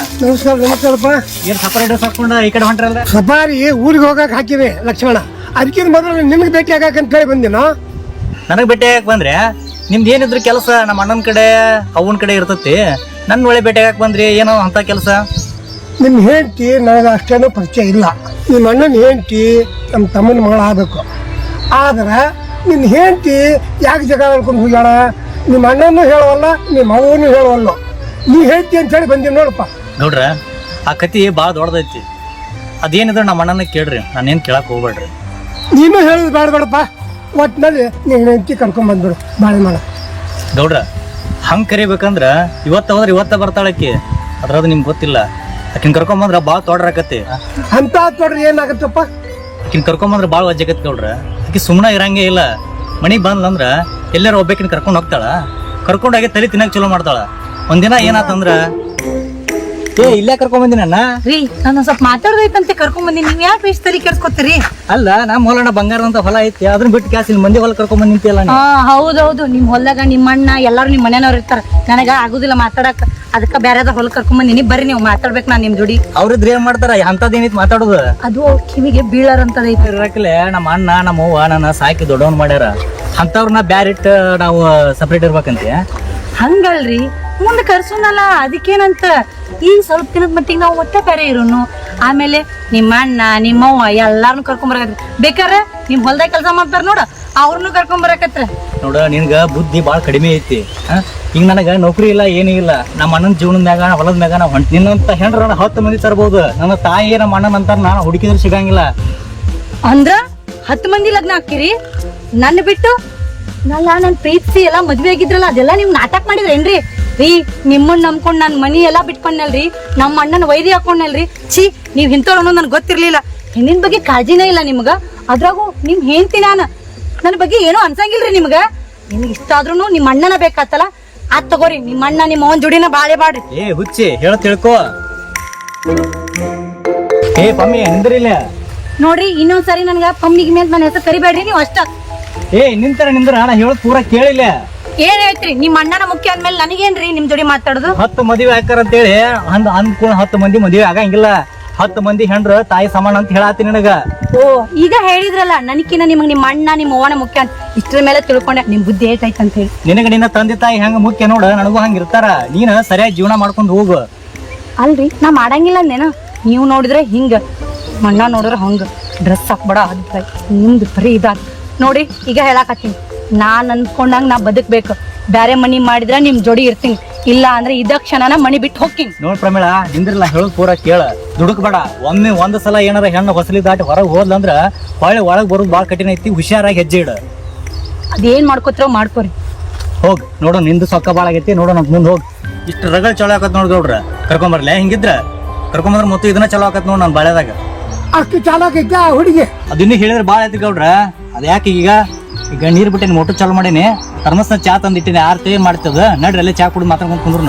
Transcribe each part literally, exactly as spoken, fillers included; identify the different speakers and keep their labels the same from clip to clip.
Speaker 1: ನಮಸ್ಕಾರ ನಮಸ್ಕಾರಪ್ಪ.
Speaker 2: ಏನ್ ಸಪರೇಟ್ ಹಾಕೊಂಡ ಈ ಕಡೆ ಹೊಂಟ್ರಲ್ಲ?
Speaker 1: ಸಫಾರಿ ಊರಿಗೆ ಹೋಗಕ್ ಹಾಕಿದೆ ಲಕ್ಷ್ಮಣ. ಅದಕ್ಕಿಂತ ಮೊದಲು ನಿಮ್ಗೆ ಭೇಟಿ ಆಗಕ್ಕೆ ಅಂತ ಹೇಳಿ ಬಂದಿನ.
Speaker 2: ನನಗ್ ಭೇಟಿ ಆಗಕ್ ಬಂದ್ರೆ ನಿಮ್ದು ಏನಿದ್ರು ಕೆಲಸ ನಮ್ಮ ಅಣ್ಣನ ಕಡೆ ಅವನ ಕಡೆ ಇರ್ತತಿ. ನನ್ನ ಒಳ್ಳೆ ಭೇಟಿ ಆಗಕ್ ಬಂದ್ರಿ ಏನೋ ಅಂತ ಕೆಲಸ?
Speaker 1: ನಿಮ್ಮ ಹೆಂಡತಿ ನನಗೆ ಅಷ್ಟೇನೂ ಪರಿಚಯ ಇಲ್ಲ. ನಿಮ್ಮ ಅಣ್ಣನ ಹೆಂಡತಿ ನಮ್ಮ ತಮ್ಮನ ಮಗಳ ಆಗ್ಬೇಕು. ಆದ್ರೆ ನಿನ್ನ ಹೆಂಡತಿ ಯಾಕೆ ಜಗ ಹೇಳ್ಕೊಂಡು ಹೋಗ್ಯಾಳ? ನಿಮ್ಮ ಅಣ್ಣನೂ ಹೇಳುವಲ್ಲ, ನಿಮ್ಮ ಅವನು ಹೇಳುವಲ್ಲ. ನೀ ಹೇಳ್ತಿ ಅಂತ ಹೇಳಿ ಬಂದೀನಿ ನೋಡಪ್ಪ.
Speaker 2: ನೋಡ್ರ, ಆ ಕತಿ ಭಾಳ ದೊಡ್ಡದೈತಿ. ಅದೇನಿದ್ರು ನಮ್ಮ ಅಣ್ಣನ ಕೇಳ್ರಿ, ನಾನೇನು ಕೇಳಕ್ ಹೋಗ್ಬೇಡ್ರಿ.
Speaker 1: ನೀನು ಹೇಳೋದು ಬೇಡ ಬೇಡಪ್ಪ. ಒಟ್ಟಿನಲ್ಲಿ ನೀನು ಹೆಂಡತಿ ಕರ್ಕೊಂಡ್ ಬಂದ್ಬಿಡು ಬಾಳೆ ಮಾಡ.
Speaker 2: ಗೌಡ್ರ, ಹಂಗೆ ಕರಿಬೇಕಂದ್ರ ಇವತ್ತ ಹೋದ್ರೆ ಇವತ್ತ ಬರ್ತಾಳಕ್ಕಿ. ಅದ್ರದ್ದು ನಿಮ್ಗೆ ಗೊತ್ತಿಲ್ಲ. ಆಕಿನ ಕರ್ಕೊಂಬಂದ್ರ ಭಾಳ ತೊಡ್ರಾಕತಿ.
Speaker 1: ಅಂತ ತೊಡ್ರಿ ಏನಾಗತ್ತಪ್ಪ?
Speaker 2: ಆಕಿನ ಕರ್ಕೊಂಬಂದ್ರ ಭಾಳ ವಜ್ಜಾಗತಿ ಗೌಡ್ರ. ಆಕಿ ಸುಮ್ಮನೆ ಇರಂಗೇ ಇಲ್ಲ. ಮನೆಗೆ ಬಂದ್ಲಂದ್ರ ಎಲ್ಲಾರು ಒಬ್ಬಾಕಿನ ಕರ್ಕೊಂಡು ಹೋಗ್ತಾಳ. ಕರ್ಕೊಂಡಾಗೆ ತಲೆ ತಿನ್ನಕ್ ಚಲೋ ಮಾಡ್ತಾಳ. ಒಂದಿನ ಏನಾತಂದ್ರ, ಏ ಇಲ್ಲೇ ಕರ್ಕೊಂಡ್ ಬಂದಿನ
Speaker 3: ರೀ, ನಾನು ಸ್ವಲ್ಪ ಮಾತಾಡ್ದೈತಂತೆ ಕರ್ಕೊಂಡ್ ಬಂದಿನಿ. ನೀವ್ ಯಾಕೆ ಇಷ್ಟ ತಲೆ ಕೆಡ್ಸ್ಕೊತೀರಿ?
Speaker 2: ಅಲ್ಲ, ನಮ್ಮ ಹೊಲನ ಬಂಗಾರದಂತ ಹೊಲ ಐತಿ, ಅದನ್ನ ಬಿಟ್ಟು ಕ್ಯಾಸ್ ಇಲ್ಲಿ ಮಂದಿ ಹೊಲ ಕರ್ಕೊಂಡ್ ಬಂದಿಲ್ಲ.
Speaker 3: ಹಾ ಹೌದೌದು, ನಿಮ್ ಹೊಲ್ದಾಗ ನಿಮ್ಮ ಅಣ್ಣ ಎಲ್ಲಾರು ನಿಮ್ ಮನೆಯವ್ರು ಇರ್ತಾರ. ನನಗ ಆಗುದಿಲ್ಲ ಮಾತಾಡಕ್, ಅದಕ್ಕ ಬ್ಯಾರದ ಹೊಲ ಕರ್ಕೊಂಡ್ ಬಂದಿನಿ. ಬರ್ರಿ ನೀವು ಮಾತಾಡ್ಬೇಕು ನಾನ್ ನಿಮ್ ಜೋಡಿ.
Speaker 2: ಅವ್ರಿದ್ರೆ ಏನ್ ಮಾಡ್ತಾರ? ಅಂತದೇನಿತ್ ಮಾತಾಡೋದು?
Speaker 3: ಅದು ಕಿವಿಗೆ ಬೀಳಾರಂತದೈತಿ.
Speaker 2: ಇರಕ್ಲೆ ನಮ್ಮ ಅಣ್ಣ ನಮ್ಮ ಅವ್ವ ನನ್ನ ಸಾಕಿ ದೊಡ್ಡವನ್ ಮಾಡ್ಯಾರ. ಅಂತವ್ರನ್ನ ಬ್ಯಾರಿಟ್ ನಾವು ಸಪ್ರೇಟ್ ಇರ್ಬೇಕಂತೆ.
Speaker 3: ಹಂಗಲ್ರಿ, ಮುಂದೆ ಕರ್ಸೋನಲ್ಲ, ಅದಕ್ಕೇನಂತ. ಈಗ ಸ್ವಲ್ಪ ದಿನದ ಮಟ್ಟಿಗೆ ನಾವು ಒಟ್ಟೆ ಬೇರೆ ಇರೋನು. ಆಮೇಲೆ ನಿಮ್ಮ ಅಣ್ಣ ನಿಮ್ಮವ್ವ ಎಲ್ಲಾರನು ಕರ್ಕೊಂಡ್ ಬರಕತ್ರಿ. ಬೇಕಾರೆ ನಿಮ್ ಹೊಲ್ದಾಗ ಕೆಲಸ ಮಾಡ್ತಾರ ನೋಡ, ಅವ್ರನ್ನು ಕರ್ಕೊಂಡ್ ಬರಕತ್ರ.
Speaker 2: ನೋಡ, ನಿನ್ಗ ಬುದ್ಧಿ ಬಾಳ ಕಡಿಮೆ ಐತಿ. ಈಗ ನನಗ ನೌಕರಿ ಇಲ್ಲ, ಏನೂ ಇಲ್ಲ. ನಮ್ಮ ಅಣ್ಣನ ಜೀವನದ ಮ್ಯಾಗ ಹೊಲದ ಮ್ಯಾಗ ನಾ ಹೊಂಟ ನಿನ್ನಂತ ಹೆಣ್ರ ಹತ್ತು ಮಂದಿ ತರಬಹುದು. ನನ್ನ ತಾಯಿ ನಮ್ಮ ಅಣ್ಣನ ಅಂತಾರ, ನಾ ಹುಡುಕಿದ್ರೆ ಸಿಗಂಗಿಲ್ಲ.
Speaker 3: ಅಂದ್ರ ಹತ್ತು ಮಂದಿ ಲಗ್ನ ಹಾಕಿರಿ ನನ್ನ ಬಿಟ್ಟು? ನಲ್ಲ ನನ್ ಪ್ರೀತಿಸಿ ಎಲ್ಲಾ ಮದ್ವೆ ಆಗಿದ್ರಲ್ಲ, ಅದೆಲ್ಲ ನೀವ್ ನಾಟಕ ಮಾಡಿದ್ರೇನ್ರಿ? ರೀ, ನಿಮ್ಮನ್ನ ನಂಬ್ಕೊಂಡ್ ನಾನ್ ಮನಿ ಎಲ್ಲಾ ಬಿಟ್ಕೊಂಡಲ್ರಿ, ನಮ್ಮ ಅಣ್ಣನ ವೈದ್ಯ ಹಾಕೊಂಡಲ್ರಿ. ಛೀ, ನೀವ್ ಇಂಥವ್ರು ಅನ್ನೋದು ನನ್ಗೆ ಗೊತ್ತಿರ್ಲಿಲ್ಲ. ಹೆಣ್ಣಿನ ಬಗ್ಗೆ ಕಾಳಜಿನೇ ಇಲ್ಲ ನಿಮ್ಗ. ಅದ್ರಾಗೂ ನಿಮ್ ಹೆಂಡ್ತಿ ನಾನು, ನನ್ನ ಬಗ್ಗೆ ಏನೋ ಅನ್ಸಂಗಿಲ್ರಿ ನಿಮ್ಗ. ನಿಮ್ಗೆ ಇಷ್ಟ ಆದ್ರೂ ನಿಮ್ ಅಣ್ಣನ ಬೇಕಾತಲ್ಲ, ಅದ್ ತಗೋರಿ, ನಿಮ್ ಅಣ್ಣ ನಿಮ್ಮ ಅವನ್ ಜೋಡಿನ ಬಾಳೆ ಬಾಡ್ರಿ.
Speaker 2: ಏ ಹುಚ್ಚಿ, ಹೇಳ ತಿಳ್ಕೊ. ಏ ಪಮ್ಮಿ, ನಿಂದ್ರಿಲ್ಲ
Speaker 3: ನೋಡ್ರಿ, ಇನ್ನೊಂದ್ಸರಿ ನನ್ಗ ಪಮ್ಮಿಗೆ ಮೇಲೆ ನನ್ನ ಹೆಸರು ಕರಿಬೇಡ್ರಿ ನೀವು ಅಷ್ಟ.
Speaker 2: ಏ ನಿಂತರ ನಿಂದ್ರ, ನಾ ಹೇಳೋದ್ ಪೂರ ಕೇಳಿಲ್ಲ.
Speaker 3: ಏನ್ ಹೇಳ್ತ್ರಿ? ನಿಮ್ ಅಣ್ಣನ ಮುಖ್ಯ ಅಂದ್ಮೇಲೆ ನನಗೇನ್ರಿ ನಿಮ್ ಜೋಡಿ ಮಾತಾಡುದು?
Speaker 2: ಹತ್ತು ಮದುವೆ ಹಾಕಾರ ಅಂತೇಳಿ ಅಂದ್ ಅಂದ್ಕೊಂಡ್ ಹತ್ತು ಮಂದಿ ಮದುವೆ ಆಗಂಗಿಲ್ಲ. ಹತ್ತು ಮಂದಿ ಹೆಣ್ರ ತಾಯಿ ಸಮಾನ ಅಂತ ಹೇಳತ್ತೀನಿ ನಿನಗ.
Speaker 3: ಓ, ಈಗ ಹೇಳಿದ್ರಲ್ಲ ನನಕಿನ ನಿಮಗ್ ನಿಮ್ಮ ಅಣ್ಣ ನಿಮ್ಮ ಅವ್ವನ ಮುಖ್ಯ ಅಂತ. ಇಷ್ಟ್ರ ಮೇಲೆ ತಿಳ್ಕೊಂಡೆ ನಿಮ್ ಬುದ್ಧಿ ಏಟೈತೆ ಅಂತ ಹೇಳಿ.
Speaker 2: ನಿನಗ ನಿನ್ನ ತಂದೆ ತಾಯಿ ಹೆಂಗ ಮುಖ್ಯ ನೋಡ, ನನಗೂ ಹಂಗ ಇರ್ತಾರ. ನೀನ್ ಸರಿಯಾಗಿ ಜೀವನ ಮಾಡ್ಕೊಂಡು ಹೋಗು.
Speaker 3: ಅಲ್ರಿ, ನಾ ಮಾಡಂಗಿಲ್ಲ ಅಂದೇನ? ನೀವು ನೋಡಿದ್ರೆ ಹಿಂಗ, ಅಣ್ಣ ನೋಡಿದ್ರೆ ಹಂಗ. ಡ್ರೆಸ್ ಹಾಕ್ಬೇಡ, ಅದ್ ನಿಮ್ದು ಬರೀ ಇದಾದ ನೋಡಿ. ಈಗ ಹೇಳಾಕತ್ತೀನಿ, ನಾನ್ ಅನ್ಕೊಂಡಂಗ ನಾ ಬದುಕ್ಬೇಕು. ಬ್ಯಾರೆ ಮನಿ ಮಾಡಿದ್ರೆ ನಿಮ್ ಜೋಡಿ ಇರ್ತೀನಿ, ಇಲ್ಲ ಅಂದ್ರೆ ಇದ ಕ್ಷಣನ ಮನಿ ಬಿಟ್ಟು ಹೋಗ್ತೀನಿ.
Speaker 2: ನೋಡ್ ಪ್ರಮೇಳ, ನಿಂದ್ರಲ್ಲ ಹೇಳೋದ್ ಪೂರ ಕೇಳ. ದುಡುಕ್ಬೇಡ. ಒಮ್ಮೆ ಒಂದ್ ಸಲ ಏನಾರ ಹೆಣ್ಣು ಹೊಸಲಿ ದಾಟಿ ಹೊರಗೆ ಹೋದ್ಲಂದ್ರ ಹೊಳೆ ಒಳಗ್ ಬರೋದು ಬಾಳ ಕಠಿಣ ಐತಿ. ಹುಷಾರಾಗಿ ಹೆಜ್ಜೆ ಇಡ.
Speaker 3: ಅದೇನ್ ಮಾಡ್ಕೋತಿರೋ ಮಾಡ್ಕೋರಿ.
Speaker 2: ಹೋಗ್ ನೋಡು, ನಿಂದು ಸೊಕ್ಕ ಬಾಳ ಆಗೈತಿ. ನೋಡೋಣ ಮುಂದ್ ಹೋಗ್. ಇಷ್ಟು ರಗಳ ಚಲೋ ಆಕತ್ ನೋಡ್ ಗೌಡ್ರ. ಕರ್ಕೊಂಬರ್ಲ ಹಿಂಗಿದ್ರ ಕರ್ಕೊಂಬಂದ್ರ ಮೊತ್ತ ಇದನ್ನ ಚಲೋ ಆಕತ್ ನೋಡ್ ನನ್ ಬಾಳೆದಾಗ.
Speaker 1: ಅಷ್ಟು ಚಾಲಾಕೈತೆ ಆ ಹುಡುಗಿ.
Speaker 2: ಅದಿನ್ನೂ ಹೇಳಿದ್ರೆ ಬಾಳ ಐತಿ ಗೌಡ್ರ. ಅದ ಯಾಕೆ ಈಗ ಈಗ ನೀರ್ ಬಿಟ್ಟೇನಿ, ಮೋಟರ್ ಚಾಲು ಮಾಡೀನಿ. ಥರ್ಮಸ್ನ ಚಾ ತಂದಿಟ್ಟಿನಿ. ಆರ್ತಿ ಏನ್ ಮಾಡ್ತದ? ನಡ್ರಿ ಅಲ್ಲೇ ಚಾ ಕುಡಿದು ಮಾತಾಡ್ಕೊಂಡ್ ಕುಂದ್ರು.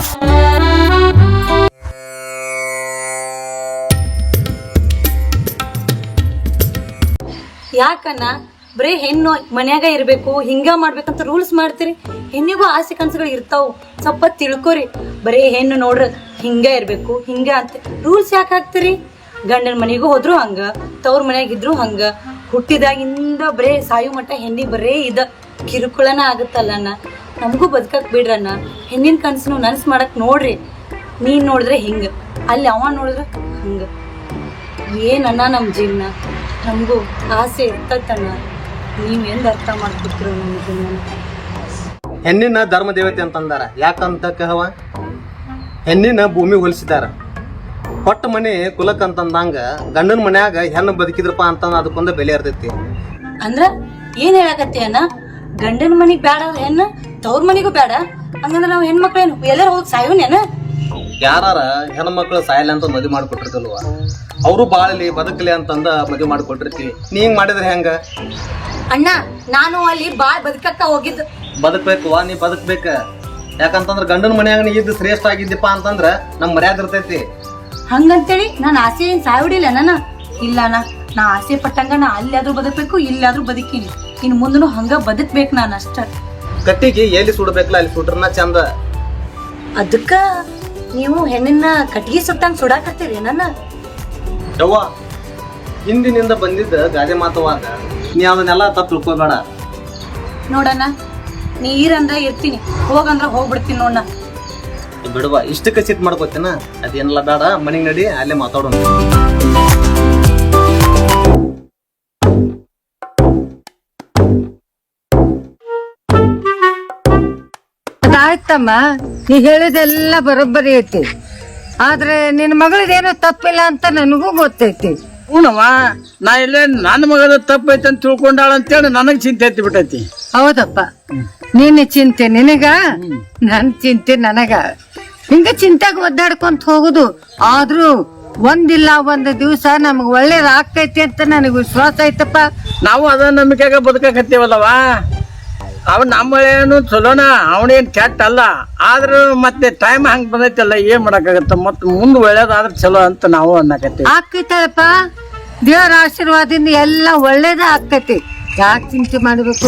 Speaker 3: ಯಾಕನ್ನ ಬರೀ ಹೆಣ್ಣು ಮನ್ಯಾಗ ಇರ್ಬೇಕು, ಹಿಂಗ ಮಾಡ್ಬೇಕಂತ ರೂಲ್ಸ್ ಮಾಡ್ತೀರಿ? ಹೆಣ್ಣಿಗೂ ಆಸೆ ಕನಸುಗಳು ಇರ್ತಾವು, ಸ್ವಲ್ಪ ತಿಳ್ಕೊರಿ. ಬರೀ ಹೆಣ್ಣು ನೋಡ್ರ ಹಿಂಗ ಇರ್ಬೇಕು ಹಿಂಗ ಅಂತ ರೂಲ್ಸ್ ಯಾಕೆ ಹಾಕ್ತಿರಿ? ಗಂಡನ ಮನೆಗೂ ಹೋದ್ರು ಹಂಗ, ತವ್ರ ಮನ್ಯಾಗಿದ್ರು ಹಂಗ. ಹುಟ್ಟಿದಾಗಿಂದ ಬರೇ ಸಾಯು ಮಟ್ಟ ಹೆಣ್ಣಿಗೆ ಬರೇ ಇದ ಕಿರುಕುಳನ ಆಗುತ್ತಲ್ಲಣ್ಣ. ನಮಗೂ ಬದುಕಕ್ ಬಿಡ್ರಣ್ಣ. ಹೆಣ್ಣಿನ ಕನಸನ್ನು ನನ್ಸ್ ಮಾಡಕ್ ನೋಡ್ರಿ. ನೀನ್ ನೋಡಿದ್ರೆ ಹಿಂಗ, ಅಲ್ಲಿ ಅವ ನೋಡಿದ್ರೆ ಹಂಗ. ಏನನ್ನ ನಮ್ಮ ಜೀವನ? ನಮಗೂ ಆಸೆ ಇರ್ತೈತಣ್ಣ. ನೀವ್ ಎಂದ ಅರ್ಥ ಮಾಡ್ಕೊತಿರೋ ನಮ್ಮ ಜೀವನ?
Speaker 4: ಹೆಣ್ಣಿನ ಧರ್ಮ ದೇವತೆ ಅಂತಂದಾರ. ಯಾಕಂತ ಕಹವ, ಹೆಣ್ಣಿನ ಭೂಮಿ ಹೋಲಿಸಿದಾರ. ಹೊಟ್ಟ ಮನೆ ಕುಲಕ್ ಅಂತಂದಂಗ ಗಂಡನ ಮನ್ಯಾಗ ಹೆಣ್ಣು ಬದುಕಿದ್ರಪ್ಪ ಅಂತಂದ ಅದಕ್ಕೊಂದು ಬೆಲೆ ಇರ್ತೈತಿ.
Speaker 3: ಅಂದ್ರ ಏನ್ ಹೇಳಕತ್ತಿ ಅಣ್ಣ? ಗಂಡನ ಮನಿಗ್ ಬೇಡ ಹೆಣ್ಣು, ತವ್ರ ಮನಿಗೂ ಬೇಡ ಹಂಗಂದ್ರ ನಾವ್ ಹೆಣ್ಮಕ್ಳೇನು ಎಲ್ಲಾರು ಹೋಗಿ ಸಾಯೋನೇನ?
Speaker 4: ಯಾರ ಹೆಣ್ಮಕ್ಳು ಸಾಯಲ್ಲ ಅಂತ ಮದುವೆ ಮಾಡಿಕೊಟ್ಟಿರ್ತಲ್ವ, ಅವರು ಬಾಳಲಿ ಬದುಕಲಿ ಅಂತಂದ ಮದುವೆ ಮಾಡಿಕೊಟ್ಟಿರ್ತೀವಿ. ನೀ ಹಿಂಗ್ ಮಾಡಿದ್ರೆ ಹೆಂಗ
Speaker 3: ಅಣ್ಣ? ನಾನು ಅಲ್ಲಿ ಬಾಳ್ ಬದುಕಕ್ಕ ಹೋಗಿದ್ದು.
Speaker 4: ಬದುಕ್ಬೇಕು, ನೀ ಬದುಕ್ಬೇಕ. ಯಾಕಂತಂದ್ರ ಗಂಡನ ಮನ್ಯಾಗ ನೀ ಇದ್ದು ಶ್ರೇಷ್ಠ ಆಗಿದ್ದಪ್ಪ ಅಂತಂದ್ರ ನಮ್ ಮರ್ಯಾದ ಇರ್ತೈತಿ.
Speaker 3: ಹಂಗಂತೇಳಿ ನಾನು ಆಸೆ ಏನ್ ಸಾಯ್ಬಿಡಿಲ್ಲ ನನ್ನ. ಇಲ್ಲ ಅಣ್ಣ, ನಾ ಆಸೆ ಪಟ್ಟಂಗ ನಾ ಅಲ್ಲಾದ್ರೂ ಬದುಕ್ಬೇಕು, ಇಲ್ಲಾದ್ರೂ ಬದುಕಿನಿ. ಇನ್ ಮುಂದನು ಹಂಗ ಬದುಕ್ಬೇಕು ನಾನು ಅಷ್ಟ.
Speaker 4: ಕಟ್ಟಿಗೆ ಎಲ್ಲಿ ಸುಡಬೇಕಲ್ಲ ಅಲ್ಲಿ ಸುಡ್ರನ ಚಂದ.
Speaker 3: ಅದಕ್ಕ ನೀವು ಹೆಣ್ಣಿನ ಕಟ್ಗಿ ಸುಟ್ಟಂಗ್ ಸುಡಾಕತ್ತೀರಿ ನನ್ನ
Speaker 4: ಯವ್ವ ಹಿಂದಿನಿಂದ ಬಂದಿದ್ದ ಗಾದೆ ಮಾತವಾದ ನೀ ಅದನ್ನೆಲ್ಲ ತಪ್ಪು ತಿಳ್ಕೊಬೇಡ.
Speaker 3: ನೋಡಣ್ಣ ನೀರಂದ್ರ ಇರ್ತೀನಿ, ಹೋಗಂದ್ರ ಹೋಗ್ಬಿಡ್ತೀನಿ ನೋಡಣ್ಣ.
Speaker 4: ಬಿಡುವ ಇಷ್ಟಕ್ಕೆ ಸಿಟ್ ಮಾಡ್ಕೋತೇನ, ಅದೇನೆಲ್ಲ ಬೇಡ, ಮನೆಗೆ ನಡಿ, ಅಲ್ಲೇ ಮಾತಾಡೋಣ.
Speaker 5: ಅದಾಯ್ತಮ್ಮ, ನೀ ಹೇಳಿದೆಲ್ಲ ಬರೋಬ್ಬರಿ ಐತಿ. ಆದ್ರೆ ನಿನ್ ಮಗಳದೇನೋ ತಪ್ಪಿಲ್ಲ ಅಂತ ನನಗೂ ಗೊತ್ತೈತಿ.
Speaker 6: ಹೂನವ್ವ, ನಾ ಇಲ್ಲೇ ನನ್ನ ಮಗದ ತಪ್ಪೈತೆ ಅಂತ ತಿಳ್ಕೊಂಡಾಳ ಅಂತೇಳಿ ನನಗ್ ಚಿಂತೆ ಎತ್ತಿ ಬಿಟ್ಟೈತಿ.
Speaker 5: ಹೌದಪ್ಪ, ನಿನ್ನ ಚಿಂತೆ ನಿನಗ, ನನ್ ಚಿಂತೆ ನನಗ. ಹಿಂಗ ಚಿಂತೆಗೆ ಒದ್ದಾಡ್ಕೊಂತ ಹೋಗುದು. ಆದ್ರೂ ಒಂದಿಲ್ಲ ಒಂದ್ ದಿವ್ಸ ನಮಗ್ ಒಳ್ಳೇದ್ ಆಗ್ತೈತಿ ಅಂತ ನನಗ್ ವಿಶ್ವಾಸ ಐತಪ್ಪ.
Speaker 6: ನಾವು ಅದ ನಂಬಿಕೆಗ ಬದುಕಕತ್ತೀವಲ್ಲವ. ಅವ ನಮ್ಮಳೇನು ಚಲೋನ, ಅವನೇನ್ ಕೆಟ್ಟ ಅಲ್ಲ. ಆದ್ರೂ ಮತ್ತೆ ಟೈಮ್ ಹಂಗ್ ಬಂದೈತಲ್ಲ, ಏನ್ ಮಾಡಕ್ಕಾಗತ್ತ. ಮತ್ ಮುಂದ್ ಒಳ್ಳೇದಾದ್ರ ಚಲೋ ಅಂತ ನಾವು ಅನ್ನಕತ್ತೀವಿ.
Speaker 5: ಆಕೈತಪ್ಪ, ದೇವರ ಆಶೀರ್ವಾದದಿಂದ ಎಲ್ಲ ಒಳ್ಳೇದ ಆಕೈತಿ. ಯಾಕೆ ಚಿಂತೆ ಮಾಡ್ಬೇಕು?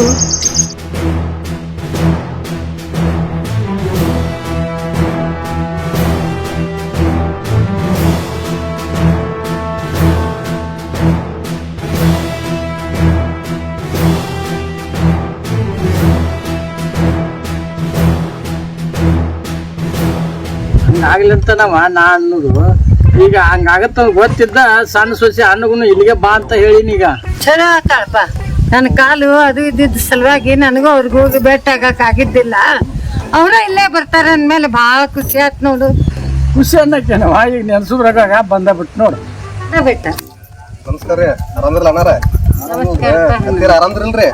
Speaker 6: ಹಂಗಾಗ್ಲಿಂತ ನಾವ ನಾ ಅನ್ನೋದು ಈಗ ಹಂಗಾಗತ್ತ ಗೊತ್ತಿದ್ದ ಸಣ್ಣ ಸೊಸೆ ಅನ್ನಗುನು ಇಲ್ಲಿಗೆ ಬಾ ಅಂತ ಹೇಳಿನಿ. ಈಗ
Speaker 5: ಚಲೋ ಆತಾಳಪ್ಪ. ನನ್ನ ಕಾಲು ಅದು ಇದ್ದಿದ್ದ ಸಲುವಾಗಿ ನನಗೂ ಅವ್ರಿಗೆ ಹೋಗಿ ಭೇಟಿ ಆಗಕ್ ಆಗಿದ್ದಿಲ್ಲ. ಅವ್ರ ಇಲ್ಲೇ ಬರ್ತಾರ ಅಂದ್ಮೇಲೆ ಬಹಳ ಖುಷಿ ಆಯ್ತು ನೋಡು.
Speaker 6: ಖುಷಿ ಅನ್ನಕ್ಕೇನವ, ಈಗ ನೆನ್ಸುದ್ರಾಗ ಬಂದ ಬಿಟ್ಟು ನೋಡು.
Speaker 5: ಬೆಟ್ಟ
Speaker 4: ನಮಸ್ಕಾರ ರೀ, ಆರಾಮ್ರಲ್ಲ ಅಣ್ಣಾರ? ಆರಾಮ್ದ್ರಲ್ರಿ?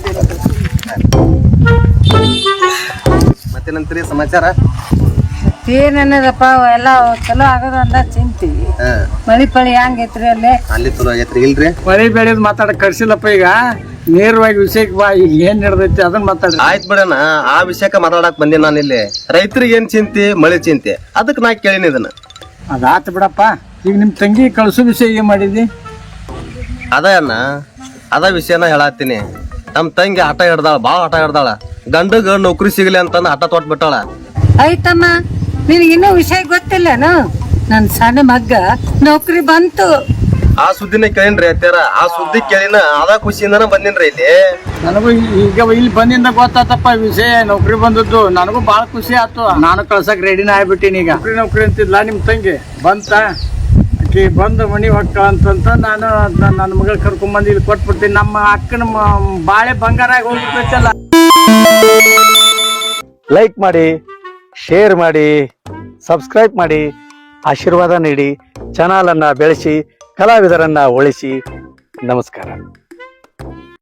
Speaker 4: ಮತ್ತೇನಂತೀರಿ ಸಮಾಚಾರ?
Speaker 5: ಏನನ್ನದಪ್ಪ, ಎಲ್ಲ ಚಲೋ ಆಗೋದು ಅಂದ ಚಿಂತಿ. ಮಳಿ ಪಳಿ ಹೆಂಗೈತ್ರಿ ಅಲ್ಲೇ?
Speaker 4: ಅಲ್ಲಿ ಚಲೋ ಆಗೈತ್ರಿ ಇಲ್ರಿ?
Speaker 6: ಮಳಿ ಬೆಳೆದ್ ಮಾತಾಡಕ್ ಕರ್ಸಿಲ್ಲಪ್ಪ. ಈಗ ನೇರವಾಗಿ ವಿಷಯಕ್ಕೆ ಬಾ, ಈಗ ಏನ್ ನಡೆದೈತಿ ಅದನ್ನ ಮಾತಾಡ.
Speaker 4: ಆಯ್ತು ಬಿಡಣ, ಆ ವಿಷಯಕ್ಕೆ ಮಾತಾಡಕ್ ಬಂದಿ ನಾನು ಇಲ್ಲಿ. ರೈತರಿಗೆ ಏನ್ ಚಿಂತೆ, ಮಳೆ ಚಿಂತೆ, ಅದಕ್ಕೆ ನಾ ಕೇಳಿನಿ ಇದನ್ನ.
Speaker 6: ಅದಾತ ಬಿಡಪ್ಪ. ಈಗ ನಿಮ್ ತಂಗಿ ಕಳ್ಸೋ ವಿಷಯ ಏನ್ ಮಾಡಿದಿ?
Speaker 4: ಅದ ಅಣ್ಣ, ಅದ ವಿಷಯನ ಹೇಳತ್ತೀನಿ. ನಮ್ ತಂಗಿ ಆಟ ಹಿಡ್ದಾಳ, ಬಾಳ ಆಟ ಹಿಡ್ದಾಳ. ಗಂಡಗ ನೌಕರಿ ಸಿಗಲಿ ಅಂತಂದ ಆಟ ತೊಟ್ ಬಿಟ್ಟಾಳ.
Speaker 5: ಆಯ್ತಮ್ಮ, ನಿನಗಿನ್ನೂ ವಿಷಯ ಗೊತ್ತಿಲ್ಲನು? ನನ್ ಸಣ್ಣ ಮಗ್ಗ ನೌಕರಿ ಬಂತು.
Speaker 4: ಆ ಸುದ್ದಿನ ಕೇಳಿನ್ರಿ ಅತ್ಯಾರ, ಆ ಸುದ್ದಿ ಕೇಳಿನ ಅದ ಖುಷಿಯಿಂದನ ಬಂದಿನ್ರಿ ಇಲ್ಲಿ.
Speaker 6: ನನಗೂ ಈಗ ಇಲ್ಲಿ ಬಂದಿಂದ ಗೊತ್ತಾತಪ್ಪ ವಿಷಯ, ನೌಕರಿ ಬಂದದ್ದು. ನನಗೂ ಬಾಳ ಖುಷಿ ಆಯ್ತು. ನಾನು ಕಳ್ಸಕ್ ರೆಡಿನ ಆಗ್ಬಿಟ್ಟಿನಿ. ಈಗ ನೌಕರಿ ನೌಕರಿ ಅಂತಿದ್ಲ ನಿಮ್ ತಂಗಿ ಬಂತ, ಆಕಿ ಬಂದು ಮನಿ ಹೊಕ್ಕ ಅಂತಂತ ನಾನು ನನ್ನ ಮಗಳ ಕರ್ಕೊಂಡ್ ಇಲ್ಲಿ ಕೊಟ್ಬಿಡ್ತೀನಿ. ನಮ್ಮ ಅಕ್ಕನ ಬಾಳೆ ಬಂಗಾರ ಆಗಿ ಹೋಗ್ಬಿಟ್ಟೈತಲ್ಲ.
Speaker 7: ಲೈಕ್ ಮಾಡಿ, ಶೇರ್ ಮಾಡಿ, ಸಬ್ಸ್ಕ್ರೈಬ್ ಮಾಡಿ, ಆಶೀರ್ವಾದ ನೀಡಿ ಚಾನಲ್ ಅನ್ನ ಬೆಳೆಸಿ ಕಲಾವಿದರನ್ನ ಉಳಿಸಿ. ನಮಸ್ಕಾರ.